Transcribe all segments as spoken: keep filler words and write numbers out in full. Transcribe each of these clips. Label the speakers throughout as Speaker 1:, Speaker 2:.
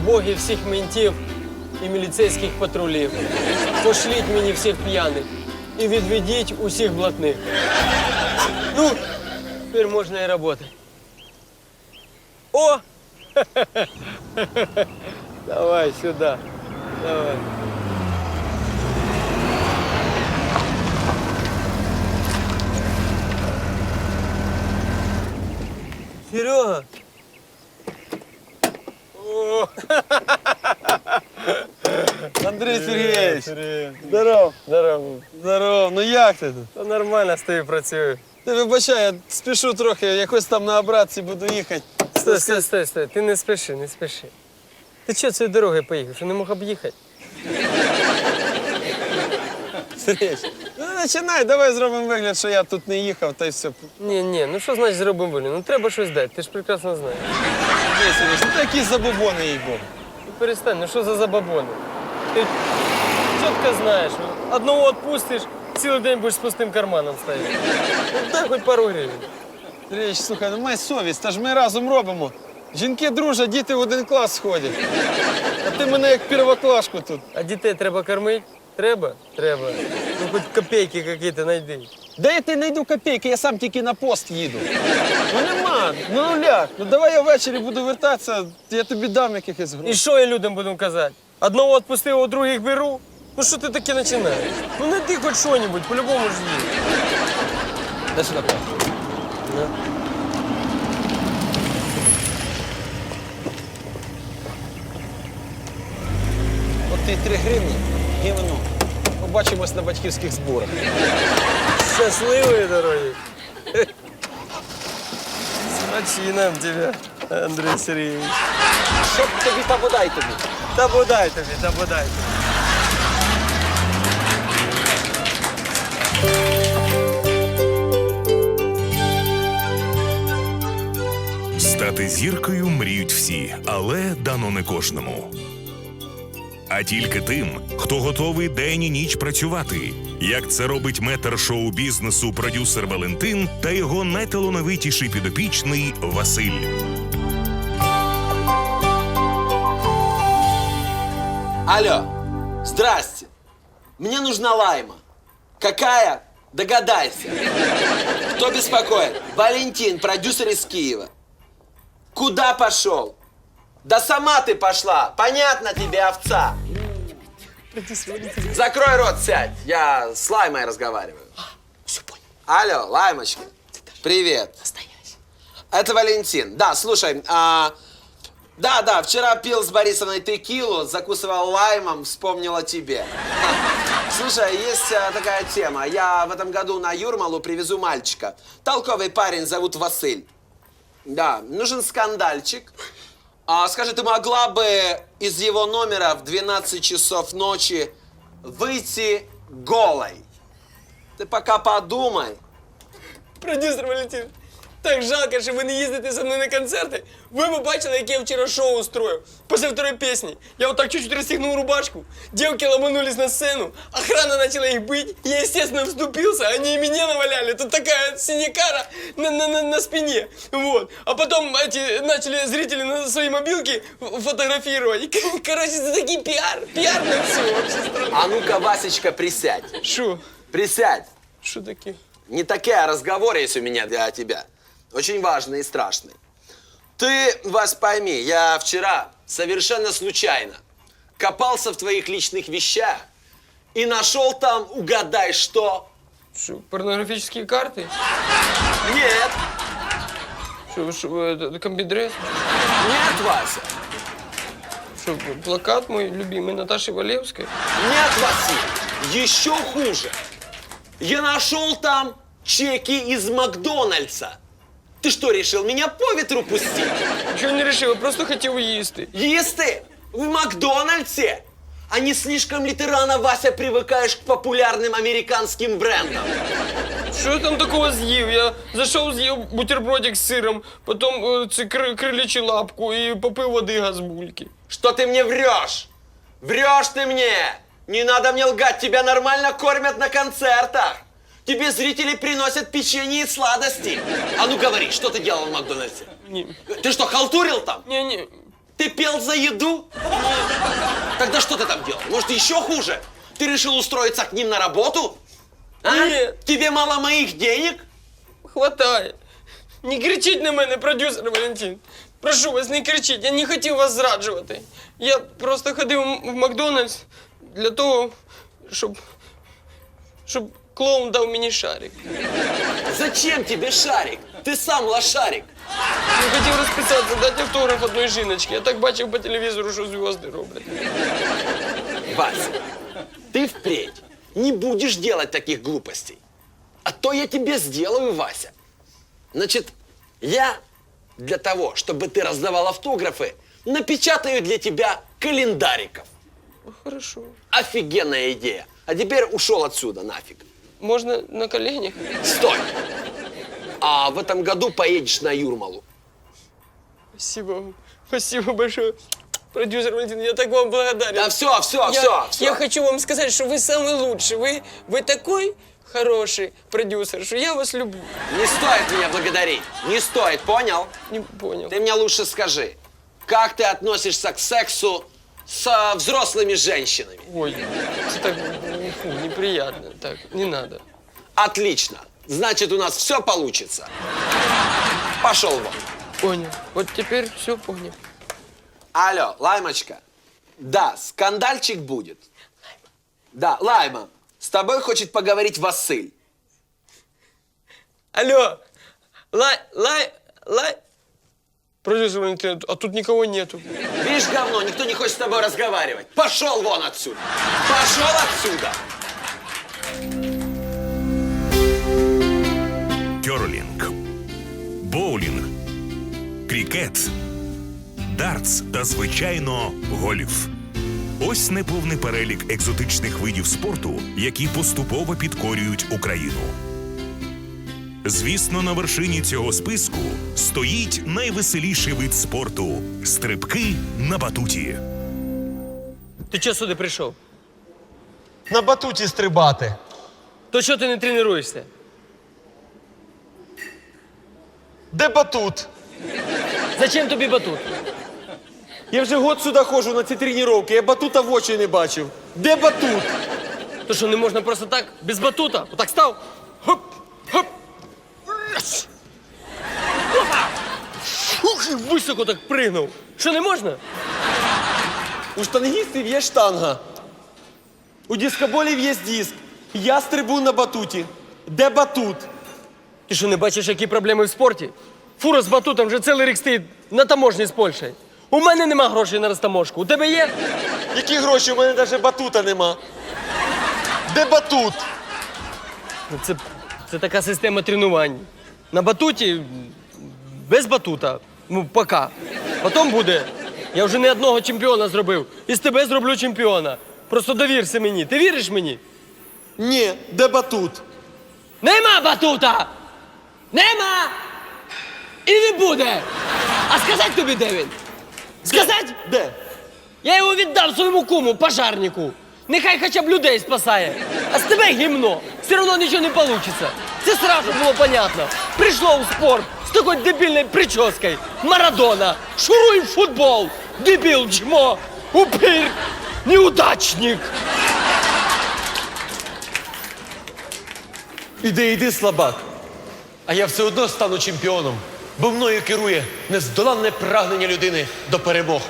Speaker 1: боги всіх ментів і міліцейських патрулів. Пошліть мені всіх п'яних і відведіть усіх блатних. Ну, тепер можна і працювати. О! Давай сюди. Давай. Серега. О!
Speaker 2: Андрій Сергійович,
Speaker 1: Привет.
Speaker 2: здоров.
Speaker 1: Здорово.
Speaker 2: Здоров. Ну як ти тут?
Speaker 1: Та нормально з тобою працюю.
Speaker 2: Ти вибачай, я спішу трохи, якось там на обратці буду їхати.
Speaker 1: Стой, стой, стой, стой. Ти не спіши, не спіши. Ти чого цією дорогою поїхав? Що не мог об'їхати?
Speaker 2: Сергійович, ну починай, давай зробимо вигляд, що я тут не їхав, та й все.
Speaker 1: Ні, ні, ну що значить зробимо волю? Ну треба щось дати, ти ж прекрасно знаєш.
Speaker 2: Андрій Сергійович, ну такі забобони, їй-богу.
Speaker 1: Ну перестань, ну що за забабони? Ти чітко знаєш, ну, одного відпустиш, цілий день будеш з пустим карманом стояти. Ну дай хоч пару гривень.
Speaker 2: Сергійович, слухай, ну май совість, та ж ми разом робимо. Жінки дружать, діти в один клас сходять. А ти мене як первоклашку тут.
Speaker 1: А дітей треба кормити? Треба? Треба. Ну хоч копійки якісь знайди.
Speaker 2: Де я ти знайду копійки, я сам тільки на пост їду. Ну нема, ну нуляк. Ну давай я ввечері буду вертатися, я тобі дам якихось
Speaker 1: І
Speaker 2: грошей.
Speaker 1: що я людям буду казати? Одного відпустив, а других беру? Ну що ти таке починаєш? Ну знайди хоч що-небудь, по-любому ж є.
Speaker 2: Дай сюди. От ти три гривні, гівно. Побачимось на батьківських зборах.
Speaker 1: Щасливої дороги. С нам тебе, Андрій Сергійович.
Speaker 2: Щоб тобі та бодай тобі.
Speaker 1: Та бодай тобі, та бодай тобі.
Speaker 3: Стати зіркою мріють всі, але дано не кожному. А тільки тим, хто готовий день і ніч працювати, як це робить метр шоу-бізнесу продюсер Валентин та його найталановитіший підопічний Василь.
Speaker 4: Алло, здрасте. Мне нужна лайма. Какая? Догадайся. Кто беспокоит? Валентин, продюсер из Киева. Куда пошел? Да сама ты пошла. Понятно тебе, овца. Закрой рот, сядь. Я с Лаймой разговариваю.
Speaker 5: Все понял.
Speaker 4: Алло, Лаймочка. Привет.
Speaker 5: Настоящий.
Speaker 4: Это Валентин. Да, слушай, а, да, да, вчера пил с Борисовной текилу, закусывал лаймом, вспомнил о тебе. Слушай, есть а, такая тема. Я в этом году на Юрмалу привезу мальчика. Толковый парень, зовут Василь. Да, нужен скандальчик. А, скажи, ты могла бы из его номера в двенадцать часов ночи выйти голой? Ты пока подумай.
Speaker 1: Продюсер Валентин, так жалко, що ви не їздите зі мною на концерти. Ви б бачили, яке я вчора шоу устроїв. Після второї пісні. Я вот так чуть-чуть расстегнул рубашку, девки ломанулись на сцену, охрана начала их бить, я, естественно, вступился, они и меня наваляли. Тут такая синякара на, на, на, на спине. Вот. А потом эти начали зрители на свои мобилки фотографировать. И, короче, это такие пиар, пиар на все вообще страну.
Speaker 4: А ну-ка, Васечка, присядь.
Speaker 1: Шо?
Speaker 4: Присядь.
Speaker 1: Шо таки?
Speaker 4: Не такие разговоры есть у меня для тебя. Очень важный и страшный. Ты, Вась, пойми, я вчера совершенно случайно копался в твоих личных вещах и нашел там, угадай, что?
Speaker 1: Шо, порнографические карты?
Speaker 4: Нет,
Speaker 1: Шо, шо, это, это комбидресс?
Speaker 4: нет, Вася,
Speaker 1: Шо, плакат мой любимый Наташи Валевской?
Speaker 4: нет, Василий, еще хуже. Я нашел там чеки из Макдональдса. Ты что, решил меня по ветру пустить?
Speaker 1: Ничего не решил, я просто хотел їсти.
Speaker 4: Їсти? В Макдональдсе? А не слишком ли ты рано, Вася, привыкаешь к популярным американским брендам?
Speaker 1: Що я там такого з'їв? Я зайшов, з'їв бутербродик з сиром, потім е, це кр крилячу лапку і попив води газбульки.
Speaker 4: Что ты мне врешь? Врешь ты мне! Не надо мне лгать, тебя нормально кормят на концертах. Тебе зрители приносят печенье и сладости. А ну говори, что ты делал в Макдональдсе?
Speaker 1: Ні.
Speaker 4: Ты что, халтурил там?
Speaker 1: Ні, ні.
Speaker 4: Ты пел за еду? Тогда что ты там делал? Может, еще хуже? Ты решил устроиться к ним на работу? А?
Speaker 1: Нет.
Speaker 4: Тебе мало моих денег?
Speaker 1: Хватає. Не кричіть на мене, продюсер Валентин. Прошу вас, не кричіть, я не хотів вас зраджувати. Я просто ходив в Макдональдс для того, щоб. щоб клоун дав мені шарик.
Speaker 4: Зачем тебе шарик? Ты сам лошарик.
Speaker 1: Я хотів розписатися, дати автограф одної жіночки. Я так бачив по телевізору, що зв'язки роблять.
Speaker 4: Вася, ты впредь не будешь делать таких глупостей. А то я тебе сделаю, Вася. Значит, я для того, чтобы ты раздавал автографы, напечатаю для тебя календариков.
Speaker 1: Хорошо.
Speaker 4: Офигенная идея. А теперь ушел отсюда нафиг.
Speaker 1: Можна на коленях?
Speaker 4: Стой! А в этом году поедешь на Юрмалу.
Speaker 1: Спасибо вам. Спасибо большое. Продюсер Валентин, я так вам благодарен.
Speaker 4: Да все, все,
Speaker 1: я,
Speaker 4: все, все.
Speaker 1: я хочу вам сказать, что вы самый лучший. Вы, вы такой хороший продюсер, что я вас люблю.
Speaker 4: Не стоит меня благодарить. Не стоит, понял?
Speaker 1: Не понял.
Speaker 4: Ты мне лучше скажи, как ты относишься к сексу с а, взрослыми женщинами?
Speaker 1: Ой, это так фу, неприятно. Так, не надо.
Speaker 4: Отлично. Значит, у нас все получится. Пошел вон.
Speaker 1: Понял. Вот теперь все понял.
Speaker 4: Алло, Лаймочка. Да, скандальчик будет. Да, Лайма, с тобой хочет поговорить Василь.
Speaker 1: Алло, лай, лай, лай. Продюсер Валентин, а тут никого нету.
Speaker 4: Видишь, говно, никто не хочет с тобой разговаривать. Пошел вон отсюда. Пошел отсюда.
Speaker 3: Кьорлінг, боулінг, крікет, дартс та, звичайно, гольф. Ось неповний перелік екзотичних видів спорту, які поступово підкорюють Україну. Звісно, на вершині цього списку стоїть найвеселіший вид спорту – стрибки на батуті.
Speaker 1: Ти чого сюди прийшов?
Speaker 2: На батуті стрибати.
Speaker 1: То чого ти не тренуєшся?
Speaker 2: Де батут?
Speaker 1: Зачем тобі батут?
Speaker 2: Я вже год сюди ходжу на ці тренування, я батута в очі не бачив. Де батут?
Speaker 1: То що, не можна просто так, без батута? Отак став? Хоп, хоп. Раз. Опа. Ух, і високо так пригнув. Що, не можна?
Speaker 2: У штангістів є штанга. У дискоболів є диск. Я стрибу на батуті. Де батут?
Speaker 1: Ти що, не бачиш, які проблеми в спорті? Фура з батутом вже цілий рік стоїть на таможні з Польщею. У мене нема грошей на розтаможку. У тебе є?
Speaker 2: Які гроші? У мене навіть батута нема. Де батут?
Speaker 1: Ну, Це, це така система тренувань. На батуті, без батута. Ну, пока. Потім буде. Я вже не одного чемпіона зробив. І з тебе зроблю чемпіона. Просто довірся мені. Ти віриш мені?
Speaker 2: Ні, де батут?
Speaker 1: Нема батута! Нема! І не буде! А сказати тобі, де він? Сказати?
Speaker 2: Де?
Speaker 1: Я його віддав своєму куму, пожарнику. Нехай хоча б людей спасає. А з тебе гімно. Все одно нічого не вийде. Це сразу було понятно. Прийшло в спорт з такою дебільною прическою. Марадона. Шуруй в футбол. Дебіл, чмо. Упир. Неудачник.
Speaker 2: Іди, іди, слабак. А я все одно стану чемпіоном, бо мною керує нездоланне прагнення людини до перемог.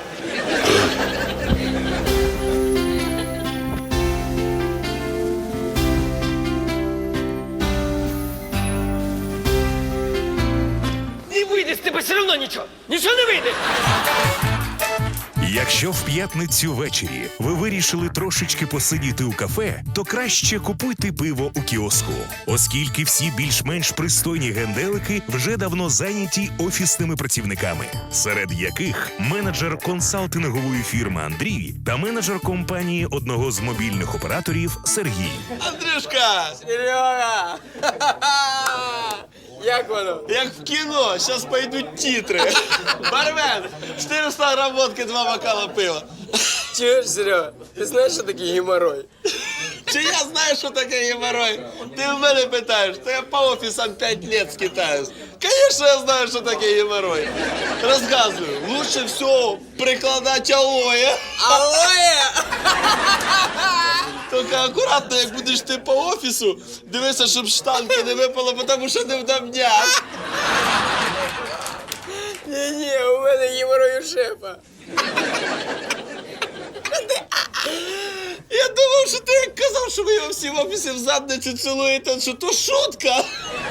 Speaker 1: Не вийде з тебе все одно нічого. Нічого не вийде.
Speaker 3: Якщо в п'ятницю ввечері ви вирішили трошечки посидіти у кафе, то краще купуйте пиво у кіоску, оскільки всі більш-менш пристойні генделики вже давно зайняті офісними працівниками, серед яких менеджер консалтингової фірми Андрій та менеджер компанії одного з мобільних операторів Сергій.
Speaker 2: Андрюшка,
Speaker 1: Серега! Як воно?
Speaker 2: як в кіно, зараз пойдуть титри. Бармен, чотириста грам водки, два бокала пива.
Speaker 1: Чуєш, Серега? Ти знаєш, що таке геморрой?
Speaker 2: Чи я знаю, що таке геморрой? Ти в мене питаєш, то я по офісам п'ять років скитаюсь.
Speaker 5: Конечно, я знаю, что такое геморрой. Рассказываю. Лучше всего прикладать алоэ.
Speaker 1: Алоэ!
Speaker 5: Тільки акуратно, як будеш ти по офісу, дивися, щоб штанки не випало, тому що не вдавняк.
Speaker 1: Ні-ні, у мене геморрой у шефа.
Speaker 5: Я думав, що ти як казав, що ви його всі в офісі в задницю цілуєте, що то шутка.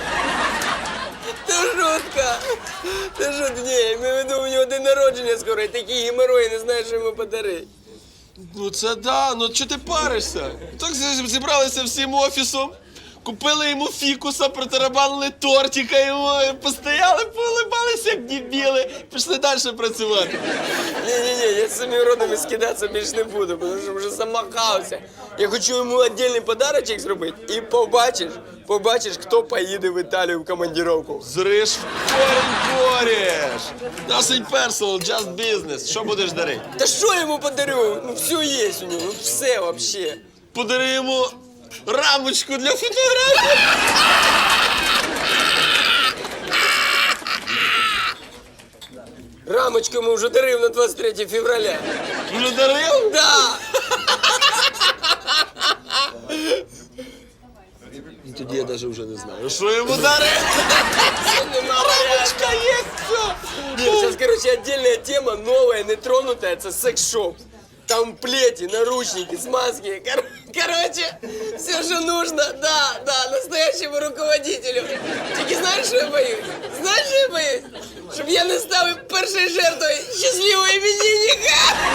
Speaker 1: Це шутка. Це шутка. Ні, я маю в виду, у нього день народження скоро, і такі геморрої не знаю, що йому подарити.
Speaker 5: Ну це да, ну чого ти паришся? Так зі- зібралися всім офісом, купили йому фікуса, протарабанили тортика йому, і постояли, поулибалися, як дебіли, пішли далі працювати.
Speaker 1: Ні-ні-ні, я з цими уродами скидатися більше не буду, тому що вже замахався. Я хочу йому віддільний подарочок зробити, і побачиш, побачиш, хто поїде в Італію в командировку.
Speaker 5: Зриш в корінь кореш. Nothing personal, just business. Що будеш дарити?
Speaker 1: Та що я йому подарю? Ну все є у нього, ну все вообще.
Speaker 5: Подари йому рамочку для фотографій.
Speaker 1: Рамочку йому вже дарив на двадцять третє февраля.
Speaker 5: Вже дарив?
Speaker 1: Да!
Speaker 5: Тоді я навіть вже не знаю. Що йому дарити?
Speaker 1: Рамочка
Speaker 5: є, все.
Speaker 1: Нет, сейчас, короче, отдельная тема, новая, нетронутая, это секс-шоп. Там плети, наручники, смазки. Кор- короче, все, что нужно, да, да, настоящему руководителю. Тільки знаешь, что я боюсь? Знаешь, что я боюсь? Щоб я не став першою жертвою щасливого іменинника.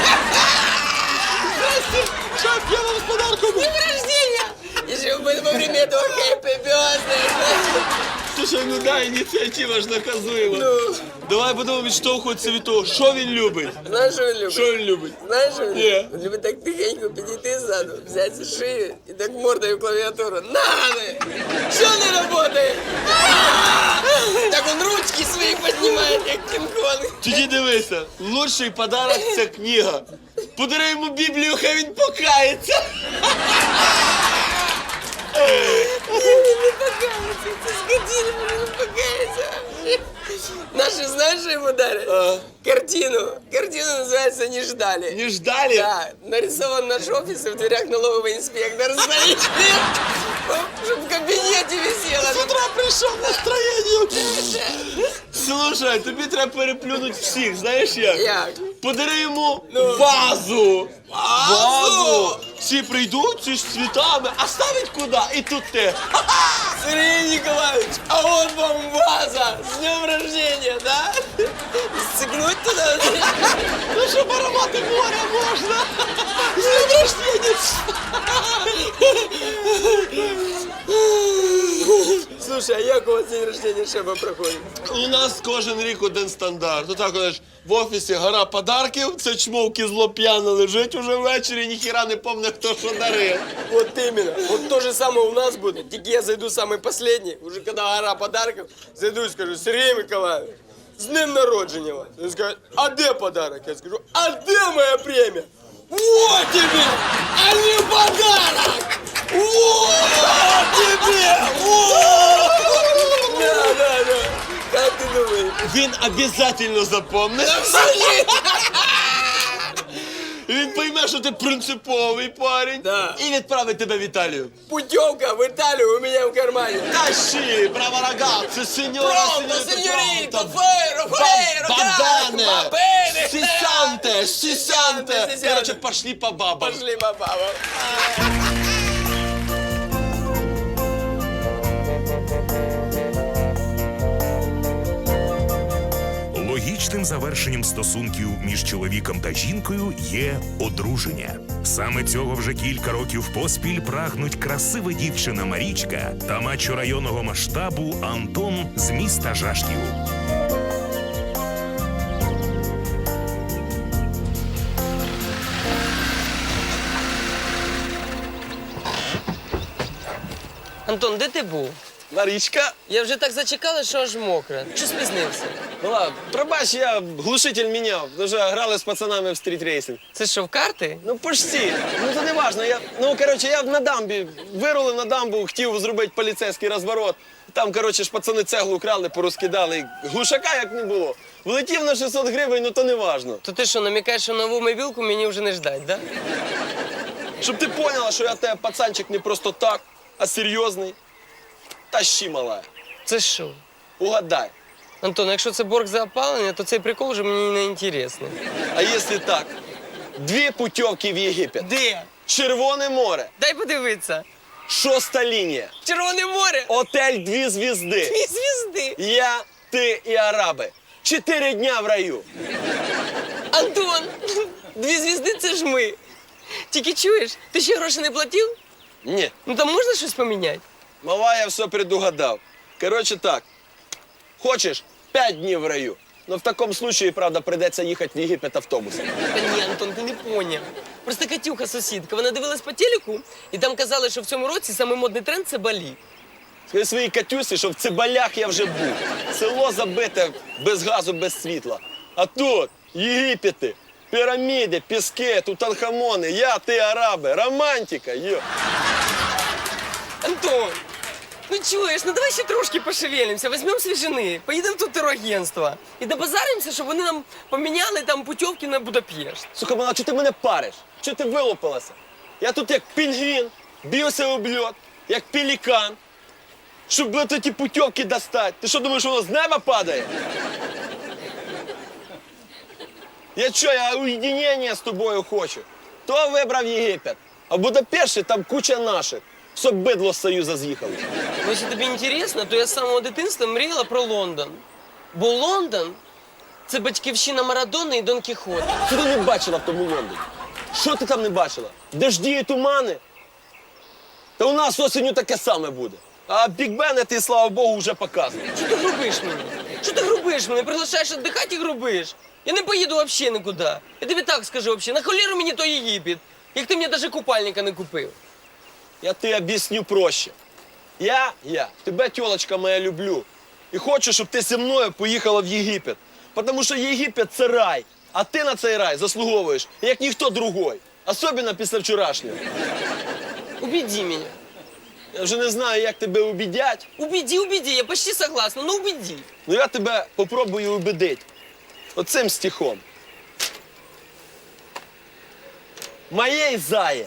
Speaker 5: Шеф, я вам з подарком.
Speaker 1: Днем рождения! И чтобы во время этого happy birthday.
Speaker 5: Слушай, ну да, ініціатива ж наказуєма.
Speaker 1: Ну.
Speaker 5: Давай будемо відштовхуватися від того, що він любить.
Speaker 1: Знаешь, что он любит?
Speaker 5: Що він любить?
Speaker 1: Знаешь, что он
Speaker 5: Ні.
Speaker 1: любит? Он любит так тихенько підійти ззаду, взять за шию и так мордой в клавиатуру. На ты! Что не работает? Так он ручки свои поднимает, как Кинг-Конг.
Speaker 5: Тоді дивися, лучший подарок – це книга. Подари йому Біблію, хай він покається.
Speaker 1: Не, не покаяться, это скотина, не покаяться. Наши, знаешь, что ему дарят?
Speaker 5: А.
Speaker 1: Картину. Картину называется «Не ждали».
Speaker 5: Не ждали?
Speaker 1: Да, нарисован наш офис, и в дверях налоговый инспектор стоит. Чтобы в кабинете висело.
Speaker 5: З утра прийшов настроєння. Слушай, тобі треба переплюнути всіх, знаєш як?
Speaker 1: Як?
Speaker 5: Подари йому
Speaker 1: Ну.
Speaker 5: вазу.
Speaker 1: Вазу?
Speaker 5: Всі прийдуть, всі з цвітами, а ставить куди? І тут ти.
Speaker 1: Сергей Николаевич, а вот вам ваза! С днем рождения, да? Сцикнуть туда?
Speaker 5: Ну, щоб аромати моря можна. З днем рождения.
Speaker 1: Слушай, а як у вас день рождения шефа проходит?
Speaker 5: У нас кожен рік один стандарт. Ну так, знаєш, в офісі гора подарків, це чмовки зло п'яно лежить уже ввечері, ніхіра не помне, хто що дарив.
Speaker 1: Вот именно. Вот то же самое у нас будет. Только я зайду самый последний, уже когда гора подарков, зайду и скажу: Сергей Николаевич, с днем народжения вас. Он скажет: а где подарок? Я скажу: а где моя премия? Вот тебе, а не подарок! Вот тебе! Вот! Да, да, да. Как ты думаешь?
Speaker 5: Він обов'язково запомне.
Speaker 1: Абсолютно!
Speaker 5: І він пойме, що ти принциповий парень.
Speaker 1: Да.
Speaker 5: І відправить тебе в Італію.
Speaker 1: Путевка в Италию у меня в кармане.
Speaker 5: Тащи, браво рагazzi, сеньора,
Speaker 1: Пронто, сеньоріто,
Speaker 5: пронто.
Speaker 1: фейро, фейро,
Speaker 5: Бабане,
Speaker 1: граско, бабене.
Speaker 5: сисянте, сисянте.
Speaker 1: сисянте.
Speaker 5: Короче, пошли по бабам.
Speaker 1: Пошли по бабам.
Speaker 3: Логічним завершенням стосунків між чоловіком та жінкою є одруження. Саме цього вже кілька років поспіль прагнуть красива дівчина Марічка та мачо районного масштабу Антон з міста Жашків.
Speaker 1: Антон, де ти був?
Speaker 5: Марічка,
Speaker 1: Я вже так зачекала, що аж мокра. Чи спізнився?
Speaker 5: Мала, пробач, я глушитель міняв. Вже грали з пацанами в стріт-рейсинг.
Speaker 1: Це що, в карти?
Speaker 5: Ну, почти. Ну, це не важно. Я, ну, коротше, я на дамбі, вирулив на дамбу, хотів зробити поліцейський розворот. Там, коротше, ж пацани цеглу крали, порозкидали. І глушака як не було. Влетів на шістсот гривень, ну то не важно.
Speaker 1: То ти що, намікаєш, що нову мобілку мені вже не ждать, да?
Speaker 5: Щоб ти поняла, що я тебе пацанчик не просто так, а серйозний. Тащи, мала.
Speaker 1: Це що?
Speaker 5: Угадай.
Speaker 1: Антон, якщо це борг за опалення, то цей прикол вже мені не інтересний.
Speaker 5: А якщо так? Дві путівки в Єгипет.
Speaker 1: Де?
Speaker 5: Червоне море.
Speaker 1: Дай подивитися.
Speaker 5: Шоста лінія.
Speaker 1: Червоне море.
Speaker 5: Отель «Дві звізди».
Speaker 1: Дві звізди.
Speaker 5: Я, ти і араби. Чотири дня в раю.
Speaker 1: Антон, дві звізди це ж ми. Тільки чуєш, ти ще гроші не платив?
Speaker 5: Ні,
Speaker 1: Ну там можна щось поміняти?
Speaker 5: мала, я все предугадав. Коротше так, хочеш п'ять днів в раю, но в такому случаї, правда, прийдеться їхати в Єгипет автобусом.
Speaker 1: Та ні, Антон, ти не поняв. Просто Катюха, сусідка, вона дивилась по телеку, і там казали, що в цьому році самий модний тренд – це Балі.
Speaker 5: Скажи своїй Катюсі, що в Цибалях я вже був. Село забите без газу, без світла. А тут Єгипети, піраміди, піски, тутанхамони, я, ти, араби, романтика, йо.
Speaker 1: Антон, ну чуєш, ну давай ще трошки пошевелимося, візьмемо свіжини, поїдемо в тут турагентство і добазаримося, щоб вони нам поміняли там путівки на Будапешт.
Speaker 5: Слухай, мала, чого ти мене париш? Чого ти вилупилася? Я тут як пінгвін, б'юся об льод, як пелікан. Щоб блядь, ті путівки достати. Ти що думаєш, воно з неба падає? Я що, я уєдинення з тобою хочу. То вибрав Єгипет. А в Будапешті там куча наших. Щоб бидло з Союза з'їхали.
Speaker 1: Ну, якщо тобі інтересно, то я з самого дитинства мріяла про Лондон. Бо Лондон – це батьківщина Марадони і Дон Кіхота.
Speaker 5: Що ти не бачила в тому Лондоні? Що ти там не бачила? Дожді і тумани? Та у нас осінню таке саме буде. А Бік-Бен, ти, слава Богу, вже показує.
Speaker 1: Що ти грубиш мені? Що ти грубиш мене? Приглашаєш віддихати і грубиш. Я не поїду взагалі нікуди. Я тобі так скажу взагалі, на холєру мені той Єгипет, як ти мені навіть купальника не купив.
Speaker 5: Я тобі об'ясню проще. Я, я, тебе, тьолочка моя, люблю. І хочу, щоб ти зі мною поїхала в Єгипет. Тому що Єгипет – це рай. А ти на цей рай заслуговуєш, як ніхто другой. Особливо після вчорашнього.
Speaker 1: Убеди мене.
Speaker 5: Я вже не знаю, як тебе убедять,
Speaker 1: Убеди, убеди, я почти согласна, но убеди.
Speaker 5: але я тебе попробую убедити. Оцим стихом. Моєї зає.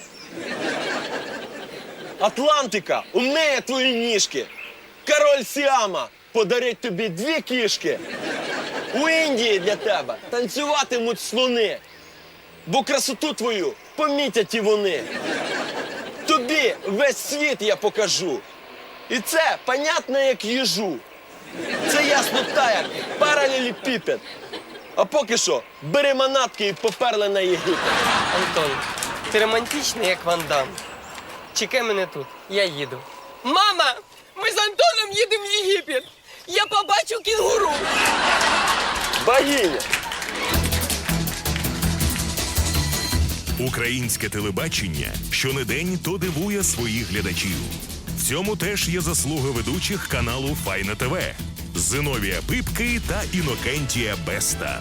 Speaker 5: Атлантика умиє твої ніжки. Король Сіама подарить тобі дві кішки. У Індії для тебе танцюватимуть слони. Бо красоту твою помітять і вони. Тобі весь світ я покажу. І це понятно, як їжу. Це ясно та, як паралелепіпед. А поки що бери манатки і поперли на Єгипет.
Speaker 1: Антон, ти романтичний, як Ван Дам. Чекай мене тут, я їду. Мама, ми з Антоном їдемо в Єгипет. Я побачу кінгуру.
Speaker 5: Богиня!
Speaker 3: Українське телебачення щонедень то дивує своїх глядачів. В цьому теж є заслуга ведучих каналу Файна ТВ Зиновія Пипки та Інокентія Беста.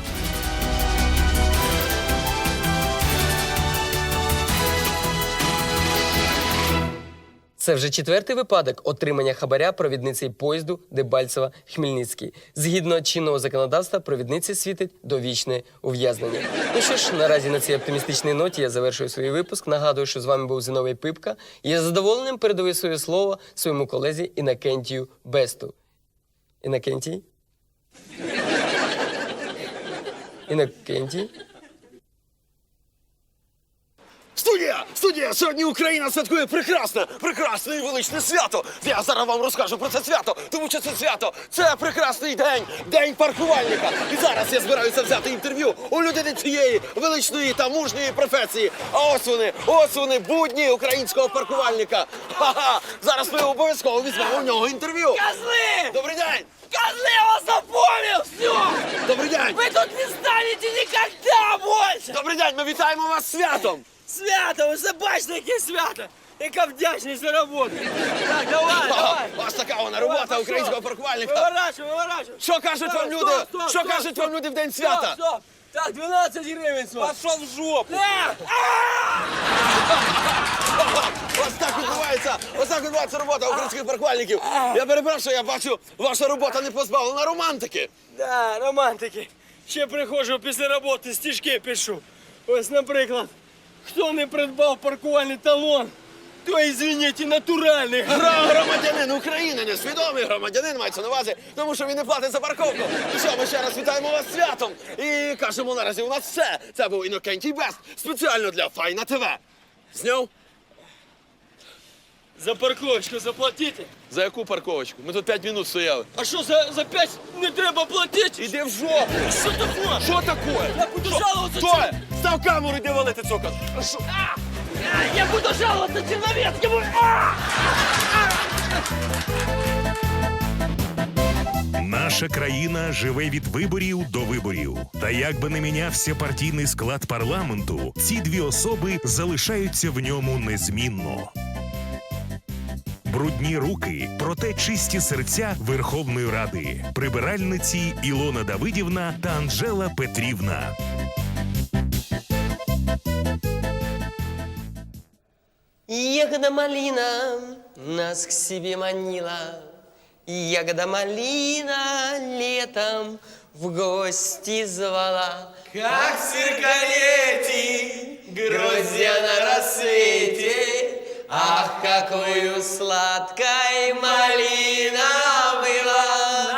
Speaker 1: Це вже четвертий випадок отримання хабаря провідниці поїзду Дебальцево-Хмельницький. Згідно чинного законодавства, провідниці світить довічне ув'язнення. Ну що ж, наразі на цій оптимістичній ноті я завершую свій випуск. Нагадую, що з вами був Зиновій Пипка. І я з задоволенням передаю своє слово своєму колезі Інокентію Бесту. Інокентій? Інокентій?
Speaker 5: Студія! Студія! Сьогодні Україна святкує прекрасне, прекрасне і величне свято! Я зараз вам розкажу про це свято, тому що це свято – це прекрасний день, день паркувальника. І зараз я збираюся взяти інтерв'ю у людини цієї величної та мужньої професії. А ось вони, ось вони, будні українського паркувальника. Ха-ха! Зараз ми обов'язково візьмемо у нього інтерв'ю.
Speaker 1: Козли!
Speaker 5: Добрий день!
Speaker 1: Козли, я вас запомнил! Все!
Speaker 5: Добрий день!
Speaker 1: Вы тут не станете никогда больше!
Speaker 5: Добрий день! Ми вітаємо вас з святом!
Speaker 1: Свято, ви ж бачите, яке свято! Яка вдячність за роботу! Так, давай, давай!
Speaker 5: Ось
Speaker 2: така вона робота українського паркувальника.
Speaker 1: Виворачуй, виворачуй.
Speaker 2: Що кажуть вам люди?
Speaker 1: Стоп, стоп,
Speaker 2: Що
Speaker 1: стоп,
Speaker 2: кажуть
Speaker 1: стоп.
Speaker 2: вам люди в день
Speaker 1: Стоп,
Speaker 2: свята?
Speaker 1: стоп. Так, дванадцять гривень, стоп. Пошов в жопу.
Speaker 2: Ось так відбувається, ось так відбувається робота українських паркувальників. Я перепрошую, я бачу, ваша робота не позбавлена романтики.
Speaker 1: Да, романтики. Ще приходжу після роботи, стишки пишу. Ось, наприклад, хто не придбав паркувальний талон, то, извините, натуральний.
Speaker 2: Гра- Громадянин України, несвідомий громадянин мається на увазі, тому що він не платить за парковку. Ну що, ми ще раз вітаємо вас з святом. І кажемо, наразі у нас все. Це був Інокентій Бест, спеціально для Файна ТВ. Зняв?
Speaker 1: За парковочку заплатите.
Speaker 2: За яку парковочку? Ми тут п'ять минут стояли.
Speaker 1: А що, за, за п'ять не треба платити?
Speaker 2: Іди в жопу!
Speaker 1: Що таке?
Speaker 2: Що таке?
Speaker 1: Я буду жалуватися.
Speaker 2: Стой! Став камеру, йди валити цокот.
Speaker 1: Я буду жаловаться Черновецкому! А!
Speaker 3: Наша країна живе від виборів до виборів. Та як би не мінявся партійний склад парламенту, ці дві особи залишаються в ньому незмінно. Брудні руки, проте чисті серця Верховної Ради. Прибиральниці Ілона Давидівна та Анжела Петрівна.
Speaker 1: Ягода малина нас к себе манила, ягода малина летом в гости звала. Как в зеркалете, гроздья на рассвете, ах, какую сладкой малина была.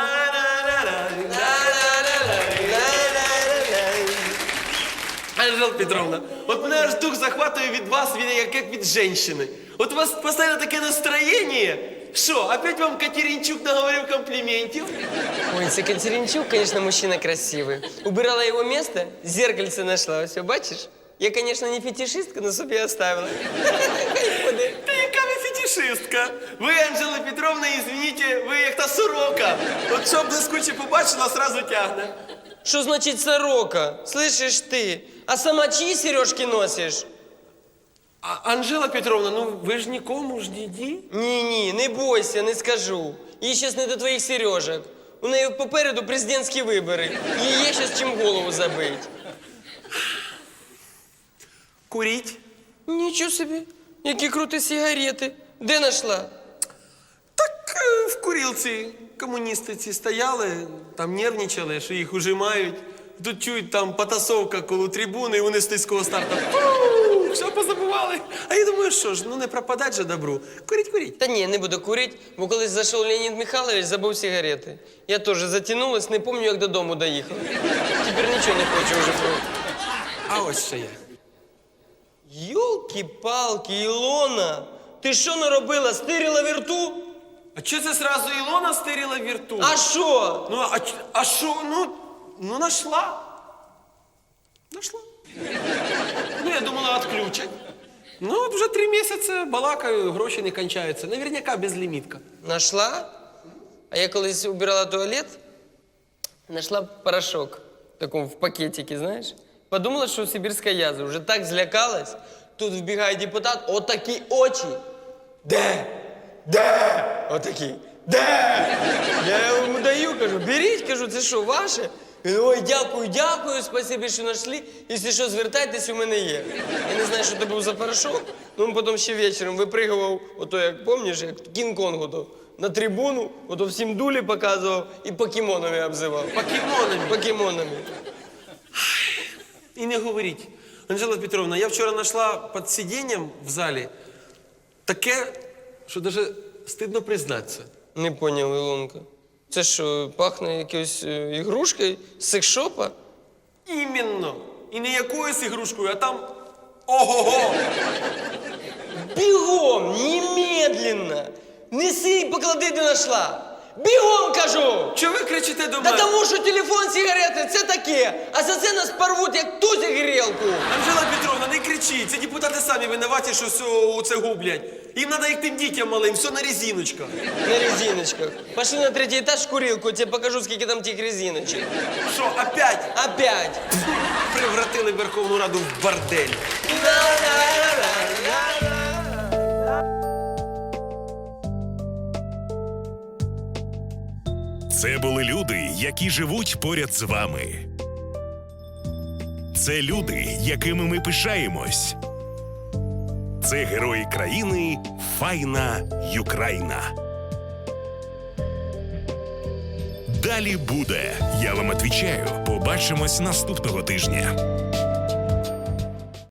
Speaker 5: Анжела Петровна, от мене аж дух захватує від вас, від, як, як від жінки. От у вас постійно таке настроєння. Що, опять вам Катеринчук наговорив компліментів?
Speaker 1: Ой, це Катеринчук, конечно, мужчина красивый. Убирала его место, зеркальце нашла. Все, бачишь? Я, конечно, не фетишистка, но собі оставила.
Speaker 5: Та яка ви фетишистка? Ви, Анжела Петровна, извините, ви як та сорока. От що блискуче побачила, сразу тягне.
Speaker 1: Что значит сорока? Слышишь ты? А сама чьи сережки носишь?
Speaker 5: А, Анжела Петровна, ну ви ж нікому ж не ді.
Speaker 1: Ні-ні, не бойся, не скажу. Їй щас не до твоїх сережок. У неї попереду президентські вибори. Їй є щас чим голову забить.
Speaker 5: Куріть.
Speaker 1: Нічого собі. Які круті сигарети. Де знайшла?
Speaker 5: Так е, в курілці комуністи ці стояли, там нервничали, що їх ужимають. Тут чують там потасовка коло трибуни, і вони з низького старту. Фу, що позабували? А я думаю, що ж, ну не пропадать же добру. Куріть, куріть.
Speaker 1: Та ні, не буду курити, бо колись зайшов Леонід Михайлович, забув сигарети. Я теж затягнулась, не пам'ятаю, як додому доїхала. Тепер нічого не хочу вже пробувати.
Speaker 5: А ось що я.
Speaker 1: Йолки-палки, Ілона, ти що наробила? Стирила вірту?
Speaker 5: А чого це зразу Ілона стирила вірту?
Speaker 1: А що?
Speaker 5: Ну, а, ч- а що, ну, ну, нашла. Нашла. Ну, я думала, відключать. Ну, от вже три місяці балакаю, гроші не кончаються. Наверняка безлімітка.
Speaker 1: Нашла? А я колись убирала туалет, нашла порошок в таком в пакетике, знаешь? Подумала, что сибирская язва. Уже так злякалась. Тут вбігає депутат, отакі очі. Де? Де? Отакі. Де? Я йому даю, кажу, беріть, кажу, це що, ваше? Він, ой, дякую, дякую, спасибі, що знайшли. Якщо що, звертайтесь, у мене є. Я не знаю, що це був за порошок, ну він потім ще вечором випригував, ото, як пам'ятаєш, як Кінг-Конг ото, на трибуну, ото всім дулі показував і покемонами обзивав.
Speaker 5: Покемонами.
Speaker 1: Покемонами.
Speaker 5: І не говоріть. Анжела Петровна, я вчора знайшла під сидінням в залі таке, що навіть стидно признатися.
Speaker 1: Не поняв, Ілонка. Це що, пахне якоюсь е, ігрушкою з секшопа?
Speaker 5: Іменно. І не якоюсь ігрушкою, а там ого-го.
Speaker 1: Бігом, немедленно! Неси і поклади, де знайшла. Бігом, кажу!
Speaker 5: Чого ви кричите до
Speaker 1: Та
Speaker 5: мене?
Speaker 1: тому, що телефон, сигарети, це таке. А за це нас порвуть, як тузик грілку.
Speaker 5: Анжела Петровна, не кричіть. Це депутати самі винуваті, що все це гублять. Їм треба як тим дітям малим, все на резиночках.
Speaker 1: На резиночках. Пошли на третій етаж в курилку, я тебе покажу, скільки там тих резиночок.
Speaker 5: Що, опять
Speaker 1: Опять.
Speaker 5: превратили Верховну Раду в бордель?
Speaker 3: Це були люди, які живуть поряд з вами. Це люди, якими ми пишаємось. Це герої країни Файна Юкраїна. Далі буде. Я вам відповідаю. Побачимось наступного тижня.